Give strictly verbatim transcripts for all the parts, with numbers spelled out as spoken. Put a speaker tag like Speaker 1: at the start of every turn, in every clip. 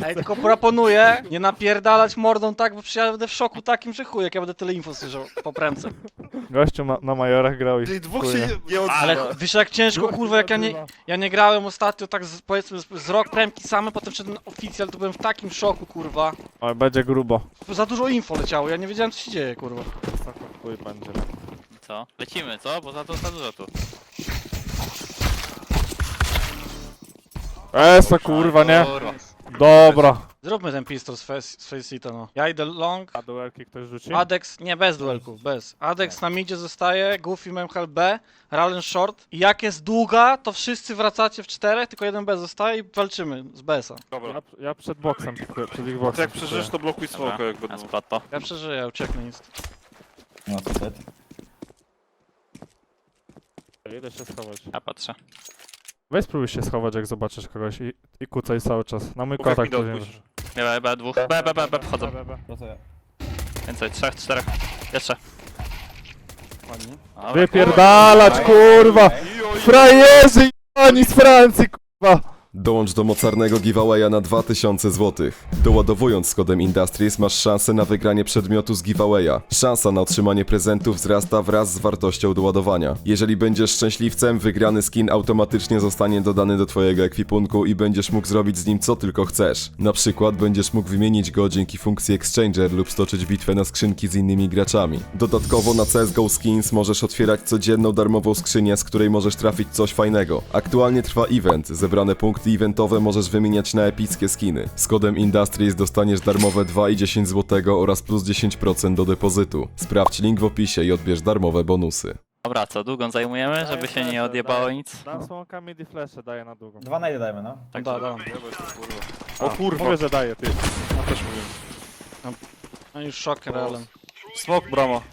Speaker 1: Ej, tylko proponuję nie napierdalać mordą tak, bo przecież ja będę w szoku takim, że chuj, jak ja będę tyle info słyszał po premce.
Speaker 2: Gościu ma, na majorach grał i
Speaker 3: Czyli dwóch
Speaker 2: chuj,
Speaker 3: się nie, nie odzywa.
Speaker 1: Ale wiesz jak ciężko, kurwa, jak ja nie, ja nie grałem ostatnio tak z, powiedzmy z, z rok premki same, potem wszedłem na oficjal, to byłem w takim szoku, kurwa.
Speaker 2: Oj, będzie grubo.
Speaker 1: Za dużo info leciało, ja nie wiedziałem co się dzieje, kurwa.
Speaker 2: Chuj będzie.
Speaker 4: Co? Lecimy, co? Bo za to za dużo tu.
Speaker 2: Esa kurwa, nie?
Speaker 4: Kurwa.
Speaker 2: Dobra.
Speaker 1: Zróbmy ten pistol z face- z Faceita, no. Ja idę long,
Speaker 2: A duelki ktoś rzuci?
Speaker 1: Adex, nie, bez duelków, bez. Adex na midzie zostaje, Goofy, Memhel B, Ralen short. I jak jest długa, to wszyscy wracacie w czterech, tylko jeden B zostaje i walczymy z B S a.
Speaker 3: Dobra.
Speaker 2: Ja, ja przed boksem, pikuję, przed ich
Speaker 3: To
Speaker 2: boksem.
Speaker 3: jak przeżyjesz, to blokuj smoka jak
Speaker 4: Dobra,
Speaker 3: będą.
Speaker 4: ja splat to.
Speaker 1: Ja przeżyję, ucieknę nic.
Speaker 5: No to set.
Speaker 2: pikuję. Idę się schować.
Speaker 4: Ja patrzę.
Speaker 2: Weź spróbuj się schować jak zobaczysz kogoś i, i kucaj cały czas. Na mój
Speaker 3: Mów, jak
Speaker 2: kontakt
Speaker 3: mi
Speaker 2: później.
Speaker 3: odpuścisz.
Speaker 4: B, B, dwóch. B, B, B, B, wchodzą.
Speaker 2: B, B, B.
Speaker 5: To co ja?
Speaker 4: Więcej, trzech, czterech. Jeszcze.
Speaker 1: Ładnie.
Speaker 4: Dobra.
Speaker 2: Wypierdalać kurwa! Frajerzy oni z Francji kurwa!
Speaker 6: Dołącz do mocarnego giveawaya na dwa tysiące złotych. Doładowując z kodem Industries masz szansę na wygranie przedmiotu z giveawaya. Szansa na otrzymanie prezentów wzrasta wraz z wartością doładowania. Jeżeli będziesz szczęśliwcem, wygrany skin automatycznie zostanie dodany do twojego ekwipunku i będziesz mógł zrobić z nim co tylko chcesz. Na przykład będziesz mógł wymienić go dzięki funkcji Exchanger lub stoczyć bitwę na skrzynki z innymi graczami. Dodatkowo na C S G O Skins możesz otwierać codzienną darmową skrzynię, z której możesz trafić coś fajnego. Aktualnie trwa event, zebrane punkty eventowe możesz wymieniać na epickie skiny. Z kodem Industries dostaniesz darmowe dwa i dziesięć złotego oraz plus dziesięć procent do depozytu. Sprawdź link w opisie i odbierz darmowe bonusy.
Speaker 4: Dobra, co? Długą zajmujemy, żeby się nie odjebało nic?
Speaker 2: Dam smoka mid i flesze daję na długą.
Speaker 5: Dwa najdy dajmy, no.
Speaker 1: Tak, da, da.
Speaker 3: O kurwa.
Speaker 2: Mówię, że daję ty.
Speaker 3: Ja też mówię.
Speaker 1: No już szok, Ralen.
Speaker 3: Smok, brama.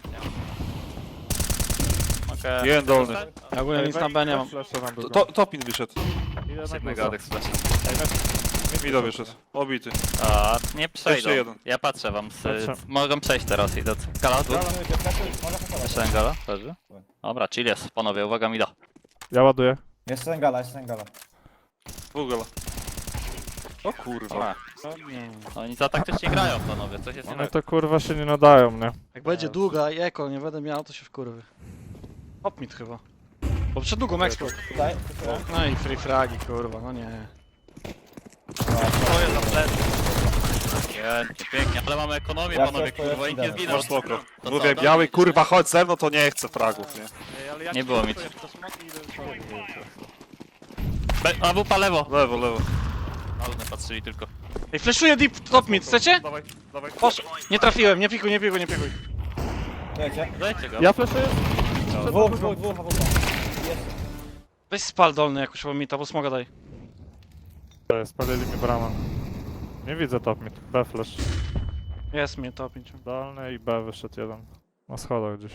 Speaker 4: Okej.
Speaker 3: Jeden dolny.
Speaker 1: Ja ogólnie nic na B nie mam.
Speaker 2: Flesze na
Speaker 3: To,
Speaker 2: długą.
Speaker 3: to, topin wyszedł.
Speaker 2: Idę na
Speaker 4: Jednego
Speaker 2: guza.
Speaker 4: Adex flash.
Speaker 2: Ej, weź-
Speaker 3: Mido wyszedł. Obity.
Speaker 4: A, nie przejdą.
Speaker 3: Jeszcze jeden.
Speaker 4: Ja patrzę wam. Z,
Speaker 2: Patrzę.
Speaker 4: mogą przejść teraz i do... Gala, tu?
Speaker 5: Może pasować.
Speaker 4: Jeszcze ten gala? Leży? Dobra, chill jest. Panowie, uwaga, mi da.
Speaker 2: Ja ładuję.
Speaker 5: Jeszcze ten gala, jeszcze ten gala.
Speaker 3: Dwugala. O kurwa.
Speaker 4: Dobra. No oni za taktycznie grają, panowie. Coś jest nie
Speaker 2: One
Speaker 4: tak.
Speaker 2: to kurwa się nie nadają, nie?
Speaker 1: Jak będzie długa i eko nie będę miał, to się wkurwy. Hop mit chyba. Bo przed długą eksport.
Speaker 5: Tutaj, tutaj.
Speaker 1: No i free fragi, kurwa, no nie.
Speaker 4: To jest za plecy. Pięknie, pięknie. Ale mamy ekonomię,
Speaker 5: Ja
Speaker 4: panowie,
Speaker 5: to- to
Speaker 4: kurwa,
Speaker 5: ja
Speaker 4: i nie
Speaker 5: idę.
Speaker 4: zginął.
Speaker 3: Masz spoko.
Speaker 4: To
Speaker 3: Mówię,
Speaker 4: co,
Speaker 3: biały
Speaker 4: to-
Speaker 3: kurwa, chodź ze mną, to nie chcę fragów, nie?
Speaker 4: Nie było mi. Be- A wupa lewo.
Speaker 3: Lewo, lewo.
Speaker 4: Ale patrzyli tylko.
Speaker 1: Ej, flashuję deep top mid, chcecie?
Speaker 3: Dawaj, dawaj.
Speaker 1: Posz... Nie trafiłem, nie pikuj, nie pikuj, nie pikuj.
Speaker 5: Wiecie?
Speaker 4: Dajcie go.
Speaker 2: Ja flaszuję.
Speaker 5: Dwóch, dwóch, dwóch, a dwóch.
Speaker 1: Weź spal dolny jakoś albo mita, bo smoga daj.
Speaker 2: To jest, spalili mi bramę. Nie widzę top mid. B flash.
Speaker 1: Jest mnie top pięć.
Speaker 2: Dolny i B wyszedł jeden. Na schodach gdzieś.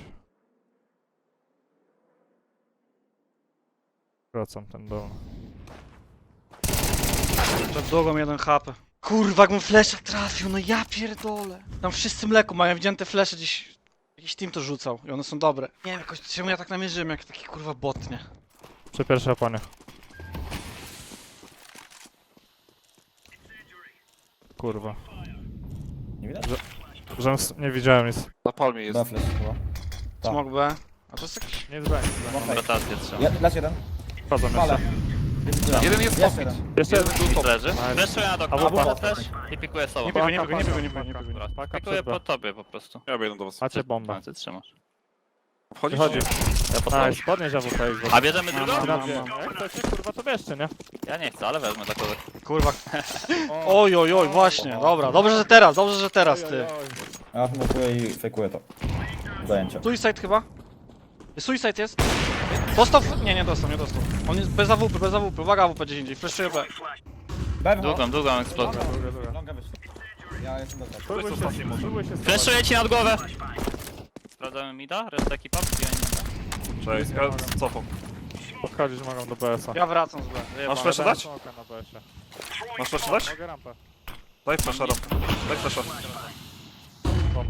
Speaker 2: Wracam ten dolny.
Speaker 1: Przed długą jeden H P. Kurwa, jakbym flesza trafił, no ja pierdolę. Tam wszyscy mleko mają, widziałem te flesze gdzieś... Jakiś team to rzucał i one są dobre. Nie wiem, jakoś czemu ja tak namierzyłem, jak taki kurwa bot, nie?
Speaker 2: Przy pierwszej oponie. Kurwa.
Speaker 5: Nie widać?
Speaker 2: Że s- nie widziałem nic.
Speaker 3: Na palmie jest.
Speaker 5: Dwa flash chyba. Tak.
Speaker 1: Smog B. A to jest jakiś...
Speaker 2: Nic B, nic B.
Speaker 5: Okej.
Speaker 4: Rotację trzeba.
Speaker 5: Ja, Lecz jeden.
Speaker 2: Wchodzą
Speaker 5: Fale.
Speaker 2: jeszcze.
Speaker 3: Jeden jest
Speaker 5: Jeszcze
Speaker 3: topin.
Speaker 5: jeden.
Speaker 2: Jeszcze jeden.
Speaker 4: Nic leży. Fleszuję na
Speaker 2: A
Speaker 4: doktor.
Speaker 2: wupa?
Speaker 4: Wupa też. I pikuję sobą.
Speaker 1: Nie pikuj, nie pikuj, nie pikuj, nie pikuj, nie pikuj.
Speaker 4: Dobra,
Speaker 2: Paka
Speaker 4: pikuję
Speaker 2: przed B.
Speaker 4: po tobie po prostu.
Speaker 3: Ja biegnę do was.
Speaker 2: Macie bombę.
Speaker 4: A, ty trzymasz.
Speaker 3: Wchodzisz?
Speaker 2: Wychodzi.
Speaker 4: Ja po tobie.
Speaker 2: Nice, podnieś A W P X.
Speaker 4: A bierzemy drugą?
Speaker 1: Mam,
Speaker 2: Na
Speaker 1: mam,
Speaker 2: dwie.
Speaker 1: mam.
Speaker 2: Jak chcecie, kurwa, to bierzcie, nie?
Speaker 4: Ja nie chcę, ale wezmę dla kogoś.
Speaker 1: Kurwa. Oj, oj, oj, właśnie, dobra. Dobrze, że teraz, dobrze, że teraz, ty.
Speaker 5: Ja smokuję i fejkuję to. Zajęcie.
Speaker 1: Suicide chyba? Suicide jest? Dostał? Nie, nie dostał, nie dostał. On jest bez A W P, bez A W P. Uwaga, A W P gdzieś indziej. Flashuję B.
Speaker 5: B wychodzi.
Speaker 4: Długą, długą eksplozję.
Speaker 2: Druga, druga.
Speaker 5: Longa wyszła. Ja jestem do tego.
Speaker 2: Spróbuj się, spróbuj się schować.
Speaker 4: Fleszuję ci nad głowę! Sprawdzamy mida, reszta ekipa,
Speaker 3: Cześć, ja cofam.
Speaker 2: Podchodzić mogą do B S a.
Speaker 1: Ja wracam z B.
Speaker 3: Masz
Speaker 1: Wyjebane.
Speaker 3: flasha dać?
Speaker 2: Smoka na B S ie.
Speaker 3: Masz flash dać?
Speaker 2: Mogę rampę.
Speaker 3: Daj flasha, rampę. Daj flasha.
Speaker 2: Bomb.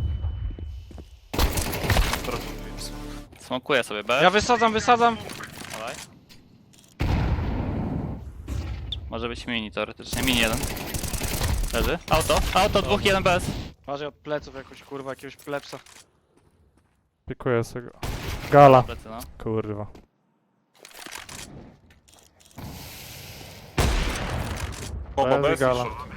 Speaker 4: smokuję sobie B.
Speaker 1: Ja wysadzam, wysadzam.
Speaker 4: Dawaj. Może być mini teoretycznie, mini jeden. Leży. Auto, auto, dwóch, jeden bez.
Speaker 1: Uważaj od pleców jakoś, kurwa, jakiegoś plepsa.
Speaker 2: Pikuję sobie go. Gala.
Speaker 4: Plecy, no.
Speaker 2: Kurwa.
Speaker 3: Bomba
Speaker 2: Leży
Speaker 3: bez i
Speaker 2: gala.
Speaker 3: short.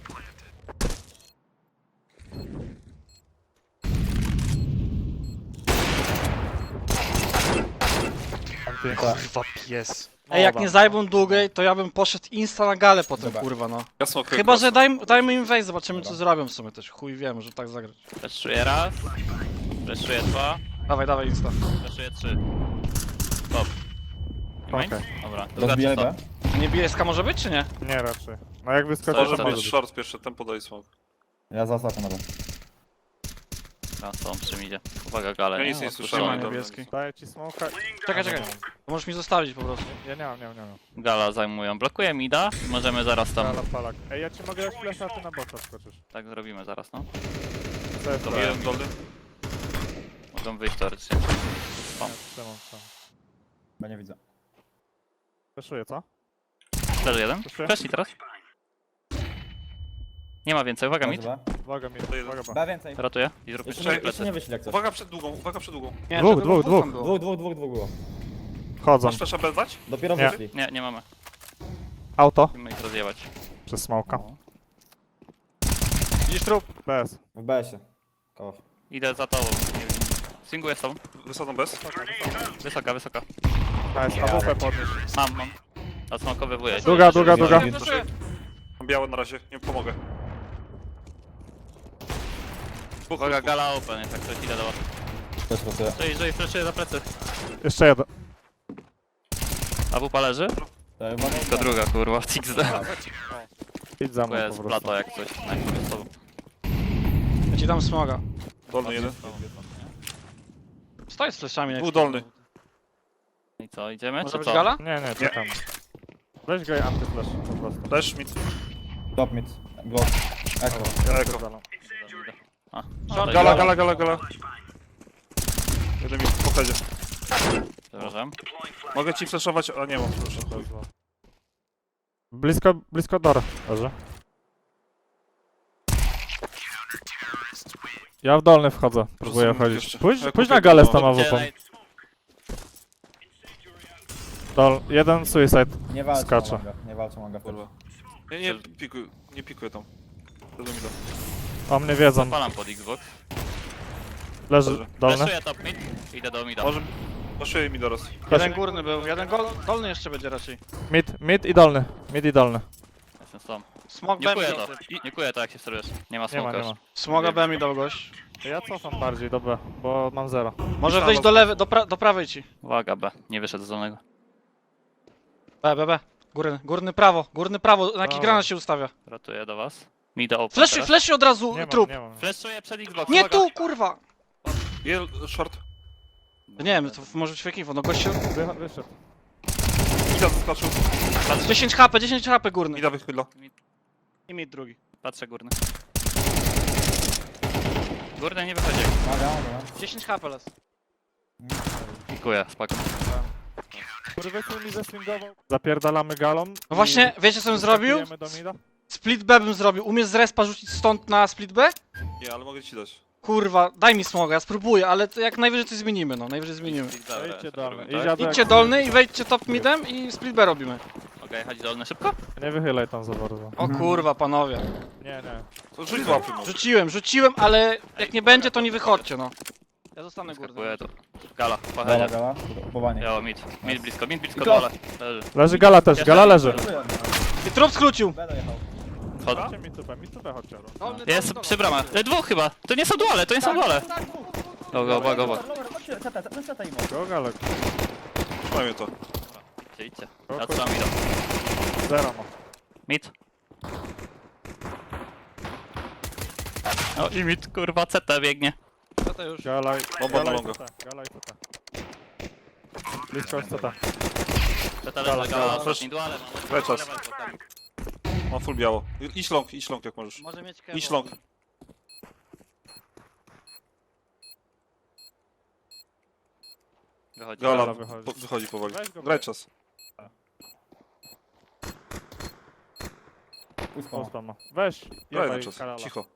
Speaker 2: Anty.
Speaker 1: Kurwa pies. Ej, jak nie zajmą długiej, to ja bym poszedł insta na galę potem,
Speaker 5: Dobra.
Speaker 1: kurwa, no.
Speaker 3: Ja smokuję
Speaker 1: Chyba,
Speaker 3: cross.
Speaker 1: że daj, dajmy im wejść, zobaczymy co
Speaker 5: Dobra.
Speaker 1: zrobią w sumie też. Chuj wiem, że tak zagrać.
Speaker 4: Fleszuję raz. Fleszuję dwa.
Speaker 1: Dawaj, dawaj insta.
Speaker 4: Fleszuję trzy. Stop.
Speaker 2: Okej.
Speaker 4: Dobra, druga
Speaker 5: Rozbijaj
Speaker 4: czysta.
Speaker 5: B.
Speaker 1: Niebieska może być, czy nie?
Speaker 2: Nie raczej. No jak wyskoczy,
Speaker 3: Może
Speaker 2: to
Speaker 3: być
Speaker 2: może być.
Speaker 3: short pierwszy, tempo daj smoke.
Speaker 5: Ja zaznaczam na B.
Speaker 4: Dobra, co on przy midzie. Uwaga, gale,
Speaker 3: Ja
Speaker 4: nie?
Speaker 3: nic nie
Speaker 4: Odpuszczamy.
Speaker 3: słyszałem.
Speaker 1: ma
Speaker 3: dobra.
Speaker 1: niebieskiej.
Speaker 2: Daję ci smoka.
Speaker 1: Czekaj, czekaj. To możesz mi zostawić po prostu.
Speaker 2: Ja nie mam, nie mam, nie mam.
Speaker 4: Gala zajmują. Blokuję mida i możemy zaraz tam...
Speaker 2: Gala, palak. Ej, ja ci mogę dać flasha, a ty na bota skoczysz.
Speaker 4: Tak zrobimy zaraz, no.
Speaker 2: Co jest to?
Speaker 4: Dobra.
Speaker 3: Jeden dolny.
Speaker 4: Mogą wyjść teoretycznie.
Speaker 2: Trzymam, trzymam.
Speaker 5: B nie widzę.
Speaker 2: Flashuję, co?
Speaker 4: Leży jeden.
Speaker 2: Proszę.
Speaker 4: Fleszli teraz. Nie ma więcej, uwaga mid.
Speaker 5: B.
Speaker 2: Uwaga mi,
Speaker 3: To jeden.
Speaker 2: uwaga, ba.
Speaker 5: B więcej.
Speaker 4: Ratuję i zrób
Speaker 5: Jeszcze
Speaker 4: jeszcze
Speaker 5: nie, jeszcze
Speaker 4: plecy.
Speaker 5: nie wyszli jak coś.
Speaker 3: Uwaga przed długą, uwaga przed długą.
Speaker 1: Nie,
Speaker 2: Dwóch,
Speaker 1: żeby
Speaker 2: dwóch,
Speaker 1: dwóch tam
Speaker 2: dwóch.
Speaker 1: było.
Speaker 5: Dwóch, dwóch, dwóch, dwóch było.
Speaker 2: Wchodzą.
Speaker 3: Masz flasha bez dać?
Speaker 5: Dopiero
Speaker 2: Nie.
Speaker 5: wyszli.
Speaker 4: Nie, nie mamy.
Speaker 2: Auto.
Speaker 4: Musimy ich rozjebać.
Speaker 2: Przez smoka.
Speaker 1: Widzisz trup?
Speaker 2: Bez.
Speaker 5: W B się. Koło.
Speaker 4: Idę za tobą. Nie wiem. Swinguję z tobą.
Speaker 3: Wysadzą bez.
Speaker 4: Wysoka, wysoka.
Speaker 2: Nice, A W P podnieś.
Speaker 4: Mam, mam. A smokowywuję.
Speaker 2: Długa, długa, długa.
Speaker 1: Flashuję, flashuję.
Speaker 3: Mam białe na razie, nie pomogę. Dwóch,
Speaker 4: Uwaga,
Speaker 3: dwóch,
Speaker 4: gala open jest, jak ktoś idę do was.
Speaker 5: Też pracuję.
Speaker 4: Czyli, że fleszuję za plecy.
Speaker 2: Jeszcze jeden.
Speaker 4: A wupa leży?
Speaker 5: To uwaga.
Speaker 4: To druga, kurwa, X D.
Speaker 2: Idź za
Speaker 4: To
Speaker 2: mną po
Speaker 4: jest
Speaker 2: prostu.
Speaker 4: plato jak coś. Na jakimś z tobą.
Speaker 1: Ja ci dam smoga.
Speaker 3: dolny jeden.
Speaker 1: Stoi z fleszami. jak
Speaker 3: Dwóch
Speaker 1: ci-
Speaker 3: dolny.
Speaker 4: I co, idziemy,
Speaker 1: Może
Speaker 4: czy
Speaker 1: być
Speaker 4: co?
Speaker 1: gala?
Speaker 2: Nie, nie, czekam. Weź go i antyflash po prostu.
Speaker 3: Flash mid.
Speaker 5: Top mid. Glock. Echo.
Speaker 2: Ja
Speaker 3: Eko.
Speaker 2: spierdalam.
Speaker 4: A,
Speaker 1: Short,
Speaker 3: Gala, gala, gala, gala. Jeden mid, po headzie.
Speaker 4: przepraszam.
Speaker 3: Mogę ci flashować, a nie mam flasha.
Speaker 2: Blisko, blisko Dora. Dobrze. Ja w dolny wchodzę. Próbuję
Speaker 3: Rozumiem
Speaker 2: wchodzić.
Speaker 3: jeszcze.
Speaker 2: Pójdź,
Speaker 3: Ja
Speaker 2: pójdź
Speaker 3: kupię
Speaker 2: na galę z
Speaker 3: to,
Speaker 2: tą
Speaker 4: Gdzie
Speaker 2: awupą.
Speaker 4: naj-
Speaker 2: Dol, jeden suicide.
Speaker 5: Nie walczą
Speaker 2: Skacze.
Speaker 5: manga. Nie walczą manga wtedy.
Speaker 3: Kurwa. Nie, nie pikuj, nie pikuję tam. Tego mi da.
Speaker 2: O mnie wiedzą.
Speaker 4: Zapalam pod Xbox.
Speaker 2: Leży dolny.
Speaker 4: Fleszuję top mid. Idę do mida.
Speaker 3: Może... Flashuję mi doraz.
Speaker 1: Jeden górny był, jeden gol, dolny jeszcze będzie raczej.
Speaker 2: Mid, mid i dolny. Mid i dolny.
Speaker 4: Jestem z tobą.
Speaker 1: Smog
Speaker 4: Nie
Speaker 1: B
Speaker 4: kuję
Speaker 1: mi
Speaker 4: to.
Speaker 1: dał.
Speaker 4: Nie kuję to jak się sterujesz. Nie ma
Speaker 2: Nie ma,
Speaker 4: smoka
Speaker 2: nie ma.
Speaker 4: już.
Speaker 1: Smoga B mi dał gość.
Speaker 2: Ja cofam bardziej do B, bo mam zero.
Speaker 1: Może wyjść do lewej, do, pra do prawej ci.
Speaker 4: Uwaga B. Nie wyszedł z dolnego.
Speaker 1: B, B, B. Górny, górny prawo, górny prawo, na jaki
Speaker 2: Dobra.
Speaker 1: granat się ustawia.
Speaker 4: Ratuję do was. Mida open
Speaker 1: Fleszy,
Speaker 4: teraz.
Speaker 1: fleszy od razu,
Speaker 2: Nie mam,
Speaker 1: trup.
Speaker 2: nie mam.
Speaker 4: Fleszuję przed Xbox.
Speaker 1: Nie
Speaker 4: uwaga.
Speaker 1: tu, kurwa.
Speaker 3: Jel, short.
Speaker 1: Nie wiem, to może być fake info, no gościu.
Speaker 2: Wy, wyszedł.
Speaker 3: Mida zaskoczył.
Speaker 1: dziesięć HP, dziesięć HP górny.
Speaker 3: Mida wychyla.
Speaker 1: I mid drugi.
Speaker 4: Patrzę górny. Górny nie wychodzi.
Speaker 5: Maga, maga.
Speaker 1: dziesięć HP les.
Speaker 4: Pikuję, spoko.
Speaker 2: Kurwa, mi zeswingował. Zapierdalamy galą.
Speaker 1: No właśnie, wiecie co bym zrobił?
Speaker 2: Do mida.
Speaker 1: Split B bym zrobił. Umiesz z respa rzucić stąd na split B?
Speaker 3: Nie, ale mogę ci dać.
Speaker 1: Kurwa, daj mi smoga, ja spróbuję, ale to jak najwyżej coś zmienimy, no, najwyżej zmienimy.
Speaker 2: Wejdźcie dolny.
Speaker 4: Tak?
Speaker 2: Idź Jadek.
Speaker 1: Idźcie dolny i wejdźcie top midem i split B robimy.
Speaker 4: Okej, chodź dolny szybko.
Speaker 2: Nie wychylaj tam za bardzo.
Speaker 1: O kurwa, panowie.
Speaker 2: Nie, nie.
Speaker 3: To rzuć z łapy może.
Speaker 1: Rzuciłem, rzuciłem, ale jak nie będzie, to nie wychodźcie, no. Ja zostanę górny.
Speaker 4: Skakuję tu. Gala,
Speaker 5: Gala,
Speaker 4: pachedzie.
Speaker 5: gala. Kupowanie.
Speaker 4: Biało, mid. Mid blisko, mid blisko
Speaker 5: I klop.
Speaker 4: dole. Leży.
Speaker 2: Leży gala też, gala leży.
Speaker 1: I trup skrócił.
Speaker 5: B dojechał.
Speaker 4: Wchodzę.
Speaker 2: Chodźcie mi tupę, mi tupę chodźcie.
Speaker 1: Dolny,
Speaker 4: Jest
Speaker 1: dolny,
Speaker 4: przy bramach. E, dwóch chyba. To nie są duale, to nie są duale. Go, go, go, go, go.
Speaker 5: Chodźcie, ceta, ceta, ceta im.
Speaker 2: Go galek.
Speaker 3: Trzymajmy to.
Speaker 4: Idźcie, idźcie.
Speaker 2: Go,
Speaker 4: Ja
Speaker 2: go.
Speaker 4: trzymam mida.
Speaker 2: Zero ma.
Speaker 4: Mid. O i mid, kurwa, C T biegnie.
Speaker 1: Co to już?
Speaker 2: Gala i...
Speaker 3: Bomba na
Speaker 2: Gala i
Speaker 3: longa.
Speaker 2: C T, gala i C T. Blisko jest C T.
Speaker 4: C T leży,
Speaker 2: Gala,
Speaker 4: gala, ostatni duale.
Speaker 3: Daj czas. Mam full biało. Idź long, idź long jak możesz.
Speaker 1: Może mieć kewo.
Speaker 3: Idź long.
Speaker 4: Wychodzi.
Speaker 3: Gala
Speaker 2: Gala wychodzi.
Speaker 3: po, wychodzi powoli.
Speaker 2: Weź go,
Speaker 3: Graj
Speaker 2: weź.
Speaker 3: czas.
Speaker 5: Puść
Speaker 2: O,
Speaker 5: spawn.
Speaker 2: tam ma. Weź,
Speaker 3: Graj na
Speaker 2: jebaj
Speaker 3: czas,
Speaker 2: Karala.
Speaker 3: cicho.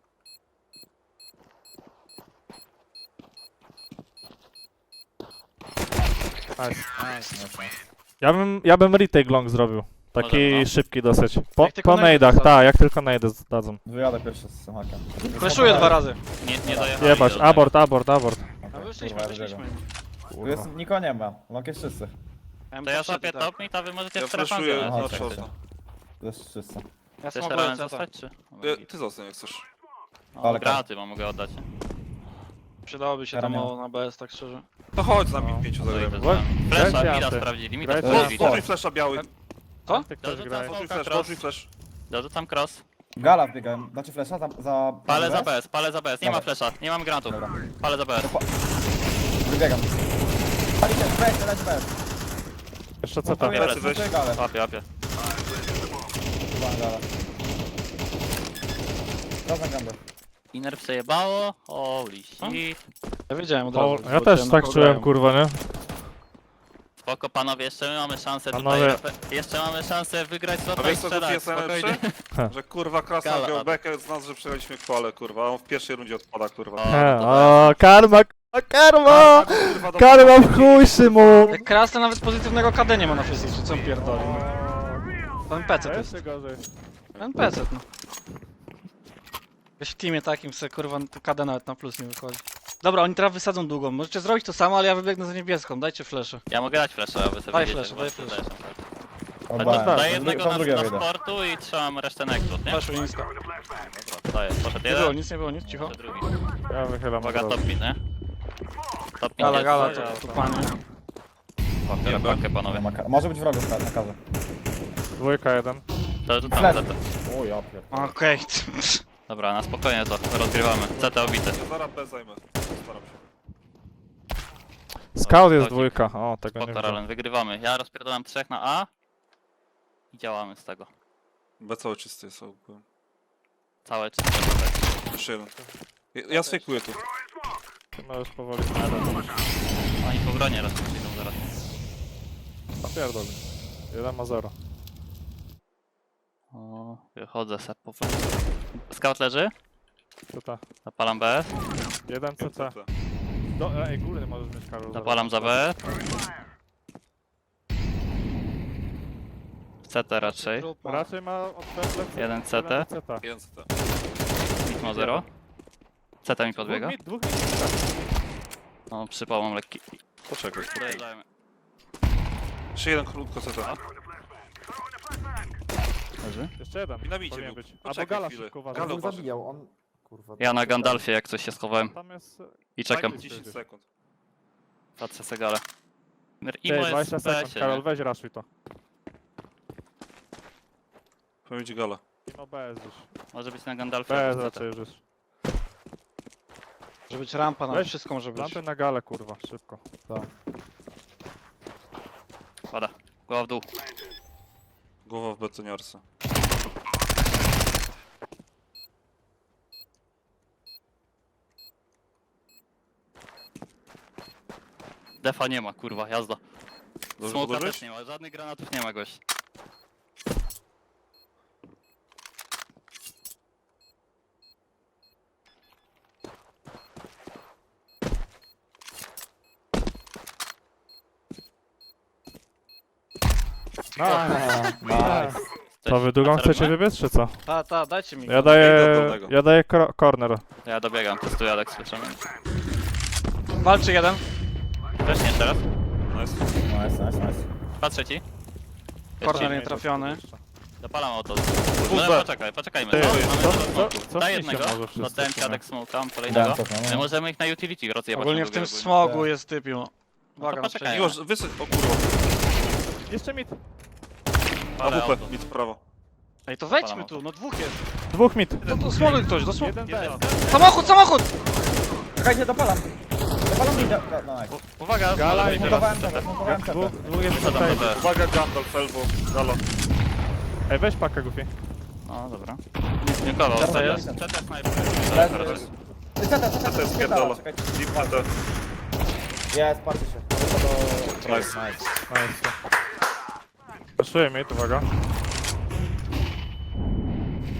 Speaker 2: Nice. Ja bym, ja bym retake long zrobił. Taki
Speaker 4: Możemy, no.
Speaker 2: szybki dosyć. Po,
Speaker 1: Jak tylko
Speaker 2: po
Speaker 1: najdę
Speaker 2: nade'ach,
Speaker 1: zdadzą.
Speaker 2: tak, jak tylko najdę dadzą.
Speaker 5: Wyjadę pierwszy z hakiem.
Speaker 1: Fleszuję dwa razy.
Speaker 4: Nie, nie dojechali.
Speaker 2: Jebać,
Speaker 4: do tego.
Speaker 2: abort, abort, abort.
Speaker 1: No wyszliśmy,
Speaker 5: Kurwa, ja
Speaker 1: wyszliśmy.
Speaker 5: dobiegam. Tu
Speaker 2: Kurwa.
Speaker 5: jest, nikogo nie ma. Long jest czysty.
Speaker 4: To ja zapię top mid, a wy możecie
Speaker 3: Ja
Speaker 4: w strefę
Speaker 3: flashuję
Speaker 5: Aha,
Speaker 3: na
Speaker 5: tak,
Speaker 3: shorta.
Speaker 5: tak. To jest czysty.
Speaker 1: Ja
Speaker 4: Chcesz
Speaker 1: smokuję
Speaker 4: teraz
Speaker 1: C T.
Speaker 4: zostać, czy?
Speaker 3: E, Ty zostań jak chcesz.
Speaker 4: No,
Speaker 5: Ale
Speaker 4: granaty mam, mogę oddać.
Speaker 1: Przydałoby się to
Speaker 5: Ramię.
Speaker 1: mało na B S, tak szczerze.
Speaker 3: To chodź z nami
Speaker 2: No.
Speaker 3: pięciu
Speaker 4: No,
Speaker 3: zagrajmy.
Speaker 4: idę z wami. Flesza,
Speaker 2: Grajcie
Speaker 4: mida
Speaker 2: anty.
Speaker 4: sprawdzili, mida
Speaker 2: Grajcie
Speaker 3: O,
Speaker 2: anty.
Speaker 4: sprawdzili.
Speaker 3: Poszli flasha biały.
Speaker 1: Co?
Speaker 2: Ty ktoś
Speaker 4: Dobrze,
Speaker 2: gra.
Speaker 4: to
Speaker 3: Poszli
Speaker 4: Smoka,
Speaker 3: flash,
Speaker 4: cross.
Speaker 3: poszli flash.
Speaker 4: Dorzucam cross.
Speaker 5: Gala wbiegałem. Dacie flesza za... za...
Speaker 4: Palę za
Speaker 5: za
Speaker 4: B S, palę za B S. Nie ma
Speaker 5: Dobra.
Speaker 4: flesza, nie mam granatów.
Speaker 5: Dobra.
Speaker 4: Palę za B S.
Speaker 5: Wybiegam. Palicie, weź, leć bez.
Speaker 2: Jeszcze co tam?
Speaker 5: Smokuję,
Speaker 3: Plecy weź.
Speaker 5: smokuję galę.
Speaker 4: Łapie, łapie.
Speaker 5: Chyba gala. Razem gambę.
Speaker 4: Inner przejebało. Holy shit.
Speaker 1: Ja wiedziałem od
Speaker 2: O,
Speaker 1: razu.
Speaker 2: ja
Speaker 1: bo
Speaker 2: też
Speaker 1: cię
Speaker 2: tak
Speaker 1: na
Speaker 2: czułem,
Speaker 1: kogo
Speaker 2: kurwa, nie?
Speaker 4: Spoko panowie, jeszcze my mamy szansę
Speaker 2: Panowie.
Speaker 4: tutaj. Jeszcze mamy szansę wygrać
Speaker 3: A
Speaker 4: slota i
Speaker 3: wiesz co
Speaker 4: strzelać,
Speaker 3: jest
Speaker 4: spokojnie.
Speaker 3: najlepsze? Że kurwa Krasna
Speaker 4: Gala.
Speaker 3: wziął bekę z nas, że przegraliśmy kwale, kurwa. A on w pierwszej rundzie odpada, kurwa.
Speaker 4: O,
Speaker 2: He,
Speaker 4: no to
Speaker 2: o, karma, kurwa, karma!
Speaker 3: Kurwa, do-
Speaker 2: Karma w chuj, Szymon!
Speaker 1: Jak Krasny nawet pozytywnego K D nie ma na fizyce, co on pierdoli. To N P C to jest.
Speaker 2: Jeszcze gorzej.
Speaker 1: N P C no. Wiesz, w teamie takim se kurwa to K D nawet na plus nie wychodzi. Dobra, oni teraz wysadzą długą. Możecie zrobić to samo, ale ja wybiegnę za niebieską. Dajcie flesze.
Speaker 4: Ja mogę dać flasha, aby sobie
Speaker 1: Daj
Speaker 4: wiedzieć,
Speaker 1: flasha,
Speaker 4: jak
Speaker 1: daj
Speaker 4: was
Speaker 1: flasha.
Speaker 4: zlecą.
Speaker 5: Oddałem.
Speaker 4: Daję
Speaker 5: To
Speaker 4: jednego
Speaker 5: to
Speaker 4: na,
Speaker 5: drugie
Speaker 4: na
Speaker 5: wyjdę.
Speaker 4: sportu i trzymam resztę nektów, nie?
Speaker 1: Flashu nisko.
Speaker 4: Dobra, daję. Poszedł
Speaker 1: Nie było
Speaker 4: jeden,
Speaker 1: nic, nie było nic, cicho.
Speaker 4: poszedł drugi.
Speaker 2: Ja wychylam.
Speaker 4: Uwaga,
Speaker 2: od razu.
Speaker 4: top mid, nie? Top mid
Speaker 1: Gala,
Speaker 4: jest.
Speaker 1: gala,
Speaker 2: gala,
Speaker 1: to tu
Speaker 2: tak.
Speaker 1: panie.
Speaker 4: Pakę, pakę, panowie.
Speaker 5: Nie ma ka- Może być wrogów na, na kawę.
Speaker 2: Dwójka, jeden.
Speaker 4: To rzucam
Speaker 5: Flash.
Speaker 4: C T.
Speaker 5: O ja pierdolę.
Speaker 1: Okej.
Speaker 4: Dobra, na spokojnie to rozgrywamy. C T obity.
Speaker 3: Ja zaraz B zajmę. Staram się.
Speaker 2: Scout jest
Speaker 4: Chodzik.
Speaker 2: dwójka. O, tego nie
Speaker 4: Spoko,
Speaker 2: widzę.
Speaker 4: Ralen, wygrywamy. Ja rozpierdolam trzech na A i działamy z tego.
Speaker 3: B cały czysty jest ogółem.
Speaker 4: Całe czyste.
Speaker 3: Jeszcze jeden. Ja, ja sfejkuję tu.
Speaker 2: Ty możesz powoli.
Speaker 4: Oni po bronie raz przyjdą zaraz.
Speaker 2: Napierdol. Jeden ma zero.
Speaker 4: O, wychodzę se powoli. Scout leży.
Speaker 2: Co ta?
Speaker 4: Zapalam B S.
Speaker 2: Jeden C T. Do, ej, górny możesz mieć, Karol.
Speaker 4: Zapalam za B S. C T raczej.
Speaker 2: Raczej ma od plecy.
Speaker 4: Jeden C T.
Speaker 2: C T.
Speaker 3: Jeden C T.
Speaker 4: Mid ma zero. C T mi podbiega.
Speaker 2: Dwóch mit, dwóch mit.
Speaker 4: No, przypał mam lekki.
Speaker 3: Poczekaj.
Speaker 4: Dojeżdżajmy.
Speaker 3: Jeszcze jeden krótko C T.
Speaker 4: Leży.
Speaker 2: Jeszcze jeden.
Speaker 3: I na midzie
Speaker 2: powinien
Speaker 3: był.
Speaker 2: być. Albo
Speaker 3: Poczekaj
Speaker 2: Gala
Speaker 3: chwilę.
Speaker 2: szybko uważaj.
Speaker 3: Gala
Speaker 5: On
Speaker 3: uważaj.
Speaker 5: zabijał, on... Kurwa.
Speaker 4: Ja na Gandalfie jak coś się schowałem
Speaker 2: Tam jest...
Speaker 4: i czekam.
Speaker 3: Daj mi dziesięć sekund.
Speaker 4: Patrzę segale.
Speaker 2: Ty,
Speaker 4: Imo jest
Speaker 2: dwadzieścia
Speaker 4: w
Speaker 2: sekund,
Speaker 4: besie,
Speaker 2: Karol,
Speaker 4: nie?
Speaker 2: weź raszuj to.
Speaker 3: Powiem ci gala.
Speaker 2: No B S już.
Speaker 4: Może być na Gandalfie.
Speaker 2: B S
Speaker 4: albo C T.
Speaker 2: raczej już jest.
Speaker 1: Może być rampa na
Speaker 2: Weź,
Speaker 1: wszystko może być.
Speaker 2: Lampy na galę, kurwa, szybko.
Speaker 4: Pada. Głowa w dół.
Speaker 3: Głowa w betoniarce.
Speaker 4: Defa nie ma, kurwa, jazda.
Speaker 3: Dobrze
Speaker 4: Smoka
Speaker 3: podłożyć?
Speaker 4: też nie ma, żadnych granatów nie ma gość.
Speaker 5: Nice.
Speaker 2: To wy długą
Speaker 4: A co
Speaker 2: chcecie
Speaker 4: robimy?
Speaker 2: wybiec, czy co?
Speaker 1: Ta, ta, dajcie mi.
Speaker 2: Ja daję...
Speaker 3: Idę do dolnego.
Speaker 2: Ja daję kro- corner.
Speaker 4: Ja dobiegam, testuję Alex, słyszymy.
Speaker 1: Walczy jeden.
Speaker 4: Też nie teraz.
Speaker 3: Nice.
Speaker 5: Nice, nice, nice.
Speaker 4: Patrzę ci.
Speaker 1: Corner nie
Speaker 4: Jeszcze
Speaker 1: trafiony.
Speaker 4: Dopalam auto.
Speaker 3: B.
Speaker 4: No poczekaj, poczekajmy.
Speaker 2: Ty,
Speaker 4: No,
Speaker 2: co,
Speaker 4: mamy
Speaker 2: co,
Speaker 4: dużo smoków.
Speaker 2: co
Speaker 4: Daj
Speaker 2: się
Speaker 4: jednego,
Speaker 2: może wszyscy
Speaker 4: oddałem ci
Speaker 2: w sumie?
Speaker 4: Adek smoke, tam kolejnego.
Speaker 5: Dałem to, no.
Speaker 4: My możemy ich na utility rozjebać.
Speaker 1: Ogólnie
Speaker 4: na
Speaker 1: w tym
Speaker 4: długie ogólnie.
Speaker 1: smogu jest typiu. Uwaga,
Speaker 4: to
Speaker 1: na
Speaker 4: poczekaj.
Speaker 1: przejście.
Speaker 3: Miłosz, wysyć. O kurwa.
Speaker 2: Jeszcze mit.
Speaker 4: Ale
Speaker 3: A W
Speaker 4: auto.
Speaker 3: P, mid prawo.
Speaker 1: Ej, to wejdźmy
Speaker 4: Palam
Speaker 1: tu, no dwóch jest.
Speaker 2: Dwóch mit.
Speaker 1: To, to smoguj ktoś, do smogu.
Speaker 2: Jeden B S.
Speaker 1: Samochód, samochód!
Speaker 5: Czekajcie, dopalam. Dopalam mi... No, nice.
Speaker 4: Uwaga,
Speaker 2: Gala
Speaker 4: dobra,
Speaker 2: i
Speaker 4: teraz.
Speaker 5: Zmontowałem tego, zmontowałem
Speaker 2: Dwóch,
Speaker 5: cepę.
Speaker 2: dwóch jest
Speaker 4: Co tam
Speaker 2: C
Speaker 4: do
Speaker 2: T.
Speaker 4: B?
Speaker 3: Uwaga, Gandalf, elbow, gala.
Speaker 2: Ej, weź pakę, Goofy.
Speaker 4: No dobra. Dziękował,
Speaker 5: Dobra,
Speaker 4: serio.
Speaker 5: jest.
Speaker 4: C T sniper.
Speaker 5: Leży. Ty, Ceta, ceta,
Speaker 3: To jest
Speaker 5: ceta,
Speaker 3: pierdolę.
Speaker 5: czekajcie.
Speaker 3: Deep C T.
Speaker 5: Jest, patrzcie się. To do...
Speaker 3: Nice.
Speaker 2: Nice. Poszuję mit, uwaga.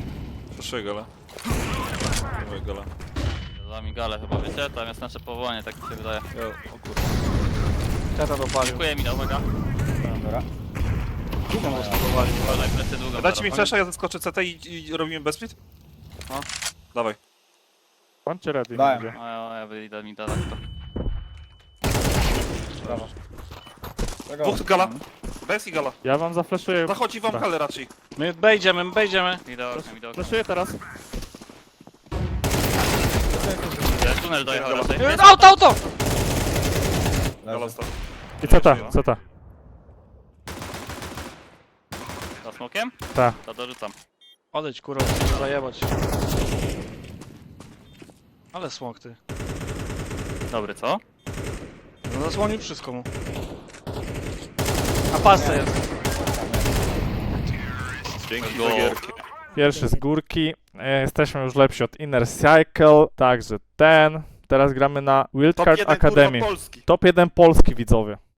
Speaker 3: Fleszuję galę. Moje gala.
Speaker 4: Za mi galę chyba, wiecie? Tam jest nasze powołanie, tak mi się wydaje.
Speaker 3: Ja, o kurwa.
Speaker 1: Teta dopalił.
Speaker 4: Dziękuję mi, uwaga.
Speaker 5: Dobra.
Speaker 1: Długo go spróbowali.
Speaker 4: Uważaj, plecy długo.
Speaker 3: Dajcie mi
Speaker 4: teraz.
Speaker 3: flesza, ja zaskoczę C T i, i robimy bez split? No. Dawaj.
Speaker 2: Bądźcie ready.
Speaker 5: Dałem.
Speaker 2: będzie.
Speaker 4: O, ja, ja wyjdę mi da tak to.
Speaker 5: Brawo. Tego.
Speaker 3: Dwóch gala. Bez i gala.
Speaker 2: Ja wam zafleszuję.
Speaker 3: Zachodzi wam
Speaker 2: Tak.
Speaker 3: galę raczej.
Speaker 1: My bejdziemy, my bejdziemy.
Speaker 4: Idę oknem, idę oknem.
Speaker 2: Fleszuję teraz.
Speaker 4: Jest tunel dojechał raczej.
Speaker 1: E, Auto, auto!
Speaker 3: Gala
Speaker 5: Leży.
Speaker 3: stał.
Speaker 2: I co ta? Co ta?
Speaker 4: Za smokiem?
Speaker 2: Ta.
Speaker 4: To dorzucam.
Speaker 1: Odejdź kurwa, chcę zajebać. Ale smok ty.
Speaker 4: Dobry, co?
Speaker 1: No zasłonił wszystko mu. A pasce jest.
Speaker 3: Dzięki
Speaker 4: Go.
Speaker 3: za gierki.
Speaker 2: Pierwszy z górki. E, Jesteśmy już lepsi od Inner Cycle. Także ten. Teraz gramy na
Speaker 3: Top
Speaker 2: Wildcard
Speaker 3: jeden
Speaker 2: Academy.
Speaker 3: kurwa Polski.
Speaker 2: Top jeden Polski, widzowie.